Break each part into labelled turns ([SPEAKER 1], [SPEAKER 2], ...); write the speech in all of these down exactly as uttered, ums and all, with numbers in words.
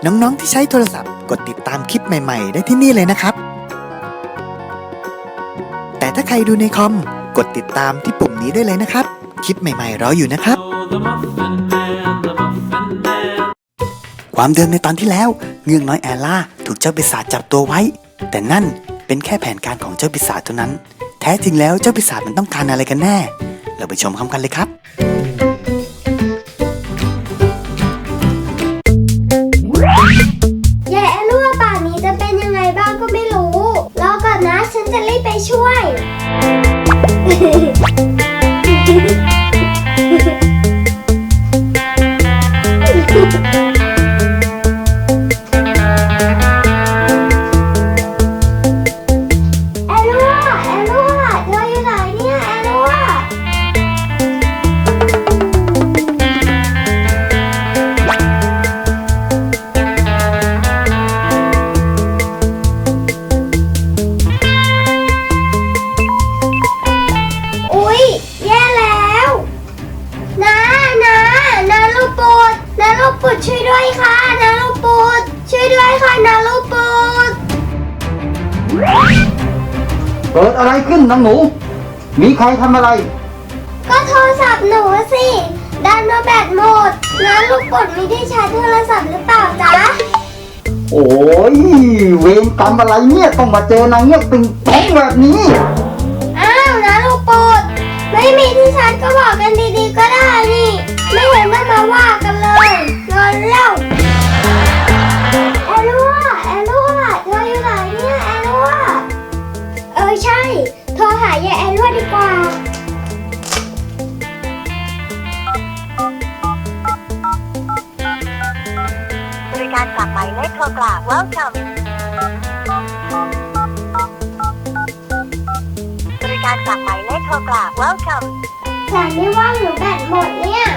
[SPEAKER 1] น้องๆที่ใช้โทรศัพท์กดติดตามคลิปใหม่ๆได้ที่นี่เลยนะครับแต่ถ้าใครดูในคอมกดติดตามที่ปุ่มนี้ได้เลยนะครับคลิปใหม่ๆรออยู่นะครับความเดิมในตอนที่แล้วเงือกน้อยแอลล่าถูกเจ้าปีศาจจับตัวไว้แต่นั่นเป็นแค่แผนการของเจ้าปีศาจเท่านั้นแท้จริงแล้วเจ้าปีศาจมันต้องการอะไรกันแน่เราไปชมพร้อมกันเลยครับ
[SPEAKER 2] ยายแอลล่าป่านนี้จะเป็นยังไงบ้างก็ไม่รู้รอก่อนนะฉันจะรีบไปช่วยปุดช่วยด้วยค่ะนาลูกปุดช่วยด้วยค่ะนาลูกปุด
[SPEAKER 3] เกิดอะไรขึ้นน้องหนูมีใครทำอะไร
[SPEAKER 2] ก็โทรศัพท์หนูสิดันมาแบตหมดนาลูกปุดไม่ได้ใช้โทรศัพท์หรือเปล่าจ๊ะ
[SPEAKER 3] โอ้ยเวรกรรมอะไรเนี่ยต้องมาเจอนางเงือกติงต้องแบบนี้
[SPEAKER 2] อ้าวนาลูกปุดไม่มีที่ชาร์จก็บอกกันดีๆก็ได้นี่ไม่เห็นต้องมาว่ากันเลยนอนเล่าแอลล่าแอลล่าเธออยู่ไหนเนี่ยแอลล่าเออใช่โทรหายายแอลล่าดีกว่า
[SPEAKER 4] บริการฝากหมายเลขโทรกลับ Welcome บริการฝากหมายเลขโทรกลับ Welcome
[SPEAKER 2] ฉันไม่ว่างหรือแบตหมดเนี่ย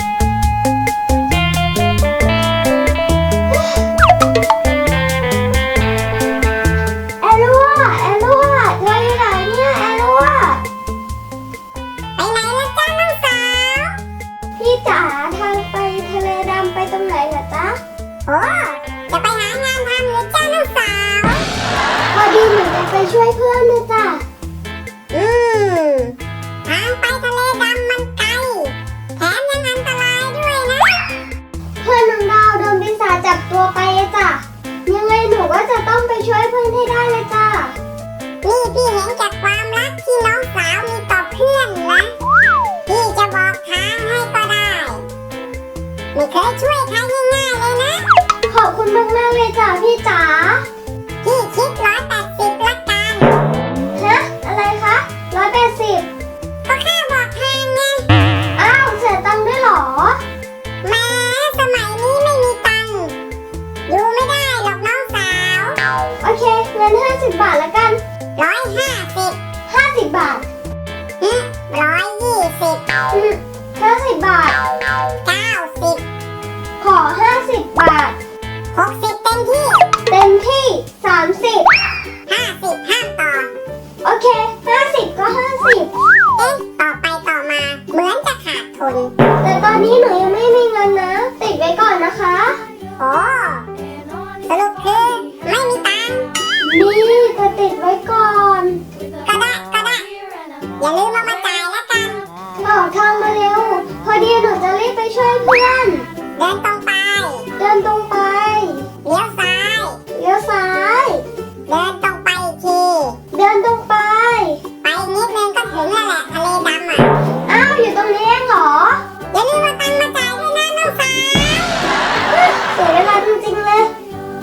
[SPEAKER 2] แอลล่าแอลล่าเธออยู่ไหนเนี่ยแอลล่าไปไหนล่ะจ้าน้องสาวพี่จ๋าทางไปทะเลดำไปตรงไหนล่ะจ๊ะโอ้จะไปหางานทำเลยจ้าน้องสาวพอดีหนูจะไปช่วยเพื่อนนะจ๊ะอืมทางไปทะเลดำมันไกลแถมยังอันตรายด้วยนะเพื่อนน้องดาวโดนปีศาจจับตัวไปจ้ะยังไงหนูก็จะต้องไปช่วยเพื่อนให้ได้เลยจ้ะนี่พี่เห็นจากความรักที่น้องสาวมีต่อเพื่อนนะพี่จะบอกทางให้ก็ได้ไม่เคยช่วยใครง่ายๆเลยนะขอบคุณมากๆเลยจ้ะพี่จ๋าพี่คิดร้อยแปดสิบละกันฮะอะไรคะร้อยแปดสิบก็แค่บอกทางไงอ้าวเสียตังค์ด้วยเหรอแม้สมัยนี้ไม่มีตังค์อยู่ไม่ได้หรอกน้องสาวโอเคเงินห้าสิบบาทละกันร้อยห้าสิบห้าสิบบาทฮึร้อยยี่สิบห้าสิบบาทเก้าสิบขอห้าสิบบาทหกสิบเต็มที่เต็มที่สามสิบห้าสิบห้ามต่อโอเคห้าสิบก็ห้าสิบเอ๊ะต่อไปต่อมาเหมือนจะขาดทุนแต่ตอนนี้หนูยังไม่มีเงินนะติดไว้ก่อนนะคะโอ้สรุปคือไม่มีตังค์นี่จะติดไว้ก่อนก็ได้ก็ได้อย่าลืมเอามาจ่ายแล้วกันบอกทางมาเร็วพอดีหนูจะรีบไปช่วยเพื่อนเดินตรงไปเดินตรงไปเลี้ยวซ้ายเลี้ยวซ้ายเดินตรงไปอีกทีเดินตรงไปไปนิดนึงก็ถึงแล้วแหละทะเลดำอ่ะอ้าวอยู่ตรงนี้เองเหรออย่าลืมมาตังค์มาจ่ายด้วยนะน้องสาวเสียเวลาจริงๆเลย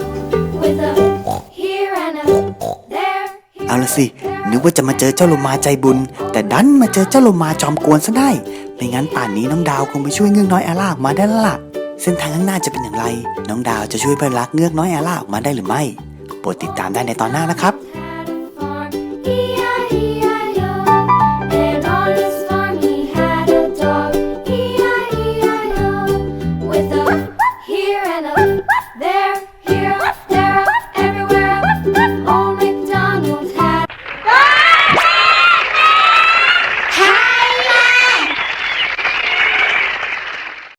[SPEAKER 1] เอาละสินึกว่าจะมาเจอเจ้าโลมาใจบุญแต่ดันมาเจอเจ้าโลมาจอมกวนซะได้ไม่งั้นป่านนี้น้องดาวคงไปช่วยเงือกน้อยแอลล่าออกมาได้แล้วล่ะเส้นทางข้างหน้าจะเป็นอย่างไรน้องดาวจะช่วยเพื่อนรักเงือกน้อยแอลล่าออกมาได้หรือไม่โปรดติดตามได้ในตอนหน้านะครับ